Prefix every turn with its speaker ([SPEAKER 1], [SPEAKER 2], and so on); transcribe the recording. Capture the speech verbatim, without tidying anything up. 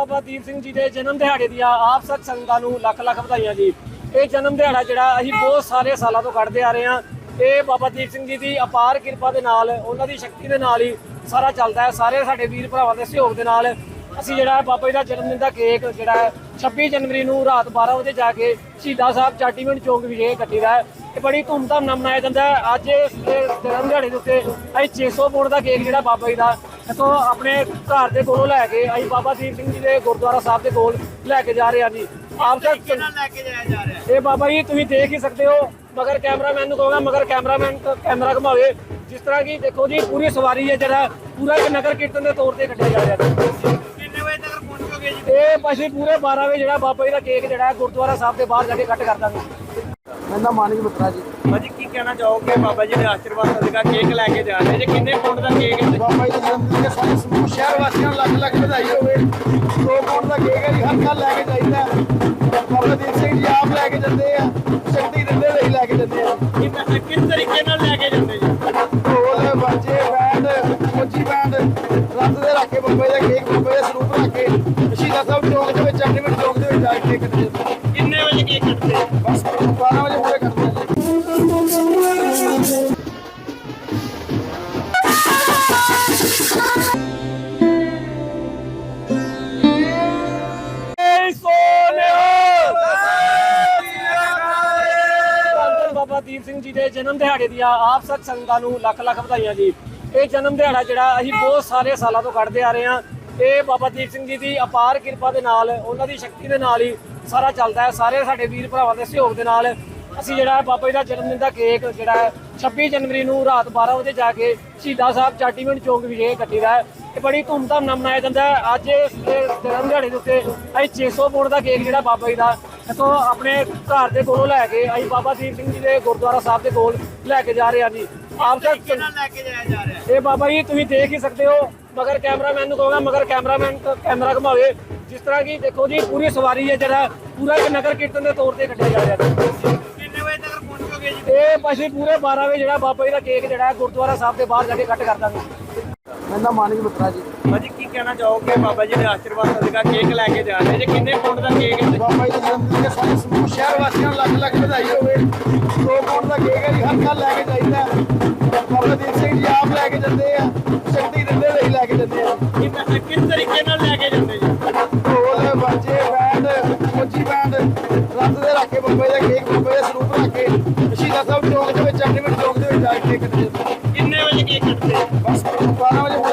[SPEAKER 1] ਬਾਬਾ ਦੀਪ ਸਿੰਘ ਜੀ ਦੇ ਜਨਮ ਦਿਹਾੜੇ ਦੀਆਂ ਆਪ ਸਭ ਸੰਗਤਾਂ ਨੂੰ ਲੱਖ ਲੱਖ ਵਧਾਈਆਂ ਜੀ। ਇਹ ਜਨਮ ਦਿਹਾੜਾ ਜਿਹੜਾ ਅਸੀਂ ਬਹੁਤ ਸਾਰੇ ਸਾਲਾਂ ਤੋਂ ਕੱਢਦੇ ਆ ਰਹੇ ਹਾਂ। ਇਹ ਬਾਬਾ ਦੀਪ ਸਿੰਘ ਜੀ ਦੀ ਅਪਾਰ ਕਿਰਪਾ ਦੇ ਨਾਲ, ਉਹਨਾਂ ਦੀ ਸ਼ਕਤੀ ਦੇ ਨਾਲ ਹੀ ਸਾਰਾ ਚੱਲਦਾ ਹੈ। ਸਾਰੇ ਸਾਡੇ ਵੀਰ ਭਰਾਵਾਂ ਦੇ ਸਹਿਯੋਗ ਦੇ ਨਾਲ ਅਸੀਂ ਜਿਹੜਾ ਬਾਬਾ ਜੀ ਦਾ ਜਨਮ ਦਿਨ ਦਾ ਕੇਕ ਜਿਹੜਾ ਛੱਬੀ ਜਨਵਰੀ ਨੂੰ ਰਾਤ ਬਾਰਾਂ ਵਜੇ ਜਾ ਕੇ ਸ਼ਹੀਦਾਂ ਸਾਹਿਬ ਚਾਟੀਵਿੰਡ ਚੌਂਕ ਵਿਖੇ ਕੱਟੀਦਾ ਹੈ। ਇਹ ਬੜੀ ਧੂਮਧਾਮ ਨਾਲ ਮਨਾਇਆ ਜਾਂਦਾ ਹੈ। ਅੱਜ ਇਸ ਜਨਮ ਦਿਹਾੜੇ ਦੇ ਉੱਤੇ ਅਸੀਂ ਛੇ ਸੌ ਪੌਂਡ ਦਾ ਕੇਕ ਜਿਹੜਾ ਬਾਬਾ ਜੀ ਦਾ ਇੱਥੋਂ ਆਪਣੇ ਘਰ ਦੇ ਕੋਲੋਂ ਲੈ ਕੇ ਅਸੀਂ ਬਾਬਾ ਦੀਪ ਸਿੰਘ ਜੀ ਦੇ ਗੁਰਦੁਆਰਾ ਸਾਹਿਬ ਦੇ ਕੋਲ ਲੈ ਕੇ ਜਾ ਰਹੇ ਹਾਂ ਜੀ। ਆਪ ਤੱਕ
[SPEAKER 2] ਲੈ ਕੇ ਜਾਇਆ ਜਾ ਰਿਹਾ
[SPEAKER 1] ਇਹ ਬਾਬਾ ਜੀ ਤੁਸੀਂ ਦੇਖ ਹੀ ਸਕਦੇ ਹੋ। ਮਗਰ ਕੈਮਰਾਮੈਨ ਨੂੰ ਕਹੂੰਗਾ ਮਗਰ ਕੈਮਰਾਮੈਨ ਕੈਮਰਾ ਘੁਮਾਵੇ। ਜਿਸ ਤਰ੍ਹਾਂ ਕਿ ਦੇਖੋ ਜੀ ਪੂਰੀ ਸਵਾਰੀ ਹੈ ਜਿਹੜਾ ਪੂਰਾ ਇੱਕ ਨਗਰ ਕੀਰਤਨ ਦੇ ਤੌਰ ਤੇ ਕੱਢਿਆ ਜਾ ਰਿਹਾ ਹੈ।
[SPEAKER 2] ਕਿੰਨੇ ਵਜੇ ਤੱਕ ਪਹੁੰਚੋਗੇ ਜੀ?
[SPEAKER 1] ਇਹ ਅਸੀਂ ਪੂਰੇ ਬਾਰਾਂ ਵਜੇ ਜਿਹੜਾ ਬਾਬਾ ਜੀ ਦਾ ਕੇਕ ਜਿਹੜਾ ਹੈ ਗੁਰਦੁਆਰਾ ਸਾਹਿਬ ਦੇ ਬਾਹਰ ਜਾ ਕੇ ਕੱਟ ਕਰ ਦਾਂਗੇ।
[SPEAKER 3] ਮੇਰਾ ਮਾਨਿਕ ਮਿੱਤਰਾ ਜੀ।
[SPEAKER 2] ਭਾਜੀ ਕੀ ਕਹਿਣਾ ਚਾਹੋਗੇ ਬਾਬਾ ਜੀ ਦੇ ਆਸ਼ੀਰਵਾਦ ਸਦਕਾ ਕੇਕ ਲੈ ਕੇ ਜਾ ਰਹੇ ਜੇ ਕਿੰਨੇ ਪੌਂਡ ਦਾ ਕੇਕ ਹੈ?
[SPEAKER 3] ਬਾਬਾ ਜੀ ਦੇ ਜਨਮ ਦਿਨ ਦੇ ਸਾਰੇ ਸਮੂਹ ਸ਼ਹਿਰ ਵਾਸੀਆਂ ਨੂੰ ਲੱਖ ਲੱਖ ਵਧਾਈ ਹੋਵੇ। ਦੋ ਪੌਂਡ ਦਾ ਕੇਕ ਹੈ ਜੀ, ਹਰ ਸਾਲ ਲੈ ਕੇ ਜਾਈਦਾ। ਬਾਬਾ ਦੀਪ ਸਿੰਘ ਜੀ ਆਪ ਲੈ ਕੇ ਜਾਂਦੇ ਆ, ਸ਼ਕਤੀ ਦਿੰਦੇ ਲਈ ਲੈ ਕੇ ਜਾਂਦੇ ਆ।
[SPEAKER 2] ਕਿੰਨਾ ਕਿਸ ਤਰੀਕੇ ਨਾਲ ਲੈ ਕੇ ਜਾਂਦੇ ਜੀ?
[SPEAKER 3] ਢੋਲ ਬਾਜੇ ਬੈਂਡ ਮੋਚੀ ਬੈਂਡ ਰੱਤ ਦੇ ਰੱਖ ਕੇ ਬਾਬਾ ਜੀ ਦਾ ਕੇਕ ਬਾਬਾ ਜੀ ਦਾ ਸਰੂਪ ਰੱਖ ਕੇ ਸ਼ਹੀਦਾਂ ਸਾਹਿਬ ਚੌਂਕ ਦੇ ਵਿੱਚ ਚਾਟੀਵਿੰਡ ਚੌਂਕ ਦੇ ਵਿੱਚ ਜਾ ਕੇ ਕੇਕ ਕੱਟਦੇ ਆ।
[SPEAKER 2] ਕਿੰਨੇ ਵਜੇ ਕੇਕ ਕੱਟਦੇ ਆ?
[SPEAKER 3] ਬਸ ਬਾਰਾਂ ਵਜੇ ਪੂਰੇ ਕਰਦੇ ਆ ਜੀ।
[SPEAKER 1] ਬਾਬਾ ਦੀਪ ਸਿੰਘ ਜੀ ਦੇ ਜਨਮ ਦਿਹਾੜੇ ਦੀਆਂ ਆਪ ਸਭ ਸੰਗਤਾਂ ਨੂੰ ਲੱਖ ਲੱਖ ਵਧਾਈਆਂ ਜੀ। ਇਹ ਜਨਮ ਦਿਹਾੜਾ ਜਿਹੜਾ ਅਸੀਂ ਬਹੁਤ ਸਾਰੇ ਸਾਲਾਂ ਤੋਂ ਕੱਢਦੇ ਆ ਰਹੇ ਹਾਂ। ਇਹ ਬਾਬਾ ਦੀਪ ਸਿੰਘ ਜੀ ਦੀ ਅਪਾਰ ਕਿਰਪਾ ਦੇ ਨਾਲ, ਉਹਨਾਂ ਦੀ ਸ਼ਕਤੀ ਦੇ ਨਾਲ ਹੀ ਸਾਰਾ ਚੱਲਦਾ ਹੈ। ਸਾਰੇ ਸਾਡੇ ਵੀਰ ਭਰਾਵਾਂ ਦੇ ਸਹਿਯੋਗ ਦੇ ਨਾਲ ਅਸੀਂ ਜਿਹੜਾ ਬਾਬਾ ਜੀ ਦਾ ਜਨਮ ਦਿਨ ਦਾ ਕੇਕ ਜਿਹੜਾ ਛੱਬੀ ਜਨਵਰੀ ਨੂੰ ਰਾਤ ਬਾਰਾਂ ਵਜੇ ਜਾ ਕੇ ਸ਼ਹੀਦਾਂ ਸਾਹਿਬ ਚਾਟੀਵਿੰਡ ਚੌਂਕ ਵਿਖੇ ਕੱਟੀਦਾ ਹੈ। ਇਹ ਬੜੀ ਧੂਮਧਾਮ ਨਾਲ ਮਨਾਇਆ ਜਾਂਦਾ ਹੈ। ਅੱਜ ਇਸ ਜਨਮ ਦਿਹਾੜੇ ਦੇ ਉੱਤੇ ਅਸੀਂ ਛੇ ਸੌ ਪੌਂਡ ਦਾ ਕੇਕ ਜਿਹੜਾ ਬਾਬਾ ਜੀ ਦਾ ਇੱਥੋਂ ਆਪਣੇ ਘਰ ਦੇ ਕੋਲੋਂ ਲੈ ਕੇ ਅਸੀਂ ਬਾਬਾ ਦੀਪ ਸਿੰਘ ਜੀ ਦੇ ਗੁਰਦੁਆਰਾ ਸਾਹਿਬ ਦੇ ਕੋਲ ਲੈ ਕੇ ਜਾ ਰਹੇ ਹਾਂ ਜੀ। ਆਪ ਤੱਕ
[SPEAKER 2] ਕਿੰਨਾ ਲੈ ਕੇ ਜਾਇਆ ਜਾ ਰਿਹਾ?
[SPEAKER 1] ਇਹ ਬਾਬਾ ਜੀ ਤੁਸੀਂ ਦੇਖ ਹੀ ਸਕਦੇ ਹੋ। ਮਗਰ ਕੈਮਰਾਮੈਨ ਨੂੰ ਕਹੂੰਗਾ ਮਗਰ ਕੈਮਰਾਮੈਨ ਕੈਮਰਾ ਘੁਮਾਵੇ। ਜਿਸ ਤਰ੍ਹਾਂ ਕਿ ਦੇਖੋ ਜੀ ਪੂਰੀ ਸਵਾਰੀ ਹੈ ਜਿਹੜਾ ਪੂਰਾ ਇੱਕ ਨਗਰ ਕੀਰਤਨ ਦੇ ਤੌਰ ਤੇ ਕੱਢਿਆ ਜਾ ਰਿਹਾ ਹੈ।
[SPEAKER 2] ਕਿੰਨੇ ਵਜੇ ਤੱਕ ਪਹੁੰਚੋਗੇ ਜੀ?
[SPEAKER 1] ਇਹ ਅਸੀਂ ਪੂਰੇ ਬਾਰਾਂ ਵਜੇ ਜਿਹੜਾ ਬਾਬਾ ਜੀ ਦਾ ਕੇਕ ਜਿਹੜਾ ਹੈ ਗੁਰਦੁਆਰਾ ਸਾਹਿਬ ਦੇ ਬਾਹਰ ਜਾ ਕੇ ਕੱਟ ਕਰ ਦਾਂਗੇ।
[SPEAKER 3] ਮੇਰਾ ਮਾਨਿਕ ਮਿੱਤਰਾ ਜੀ।
[SPEAKER 2] ਭਾਜੀ ਕੀ ਕਹਿਣਾ ਚਾਹੋਗੇ ਬਾਬਾ ਜੀ ਦੇ ਆਸ਼ੀਰਵਾਦ ਸਦਕਾ ਕੇਕ ਲੈ ਕੇ ਜਾ ਰਹੇ ਜੇ ਕਿੰਨੇ ਪੌਂਡ ਦਾ ਕੇਕ ਹੈ?
[SPEAKER 3] ਬਾਬਾ ਜੀ ਦੇ ਜਨਮ ਦਿਨ ਦੇ ਸਾਰੇ ਸਮੂਹ ਸ਼ਹਿਰ ਵਾਸੀਆਂ ਨੂੰ ਲੱਖ ਲੱਖ ਵਧਾਈ ਹੋਵੇ। ਦੋ ਪੌਂਡ ਦਾ ਕੇਕ ਹੈ ਜੀ, ਹਰ ਸਾਲ ਲੈ ਕੇ ਜਾਈਦਾ। ਬਾਬਾ ਦੀਪ ਸਿੰਘ ਜੀ ਆਪ ਲੈ ਕੇ ਜਾਂਦੇ ਆ, ਸ਼ਕਤੀ ਦਿੰਦੇ ਲਈ ਲੈ ਕੇ ਜਾਂਦੇ ਆ।
[SPEAKER 2] ਕਿੰਨਾ ਕਿਸ ਤਰੀਕੇ ਨਾਲ ਲੈ ਕੇ ਜਾਂਦੇ ਜੀ?
[SPEAKER 3] ਢੋਲ ਬਾਜੇ ਬੈਂਡ ਮੋਚੀ ਬੈਂਡ ਰੱਤ ਦੇ ਰੱਖ ਕੇ ਬਾਬਾ ਜੀ ਦਾ ਕੇਕ ਬਾਬਾ ਜੀ ਦਾ ਸਰੂਪ ਰੱਖ ਕੇ ਸ਼ਹੀਦਾਂ ਸਾਹਿਬ ਚੌਂਕ ਦੇ ਵਿੱਚ ਚਾਟੀਵਿੰਡ ਚੌਂਕ ਦੇ ਵਿੱਚ ਜਾ ਕੇ ਕੇਕ ਕੱਟਦੇ ਆ।
[SPEAKER 2] ਕਿੰਨੇ ਵਜੇ ਕੇਕ ਕੱਟਦੇ ਆ?
[SPEAKER 3] ਬਸ ਬਾਰਾਂ ਵਜੇ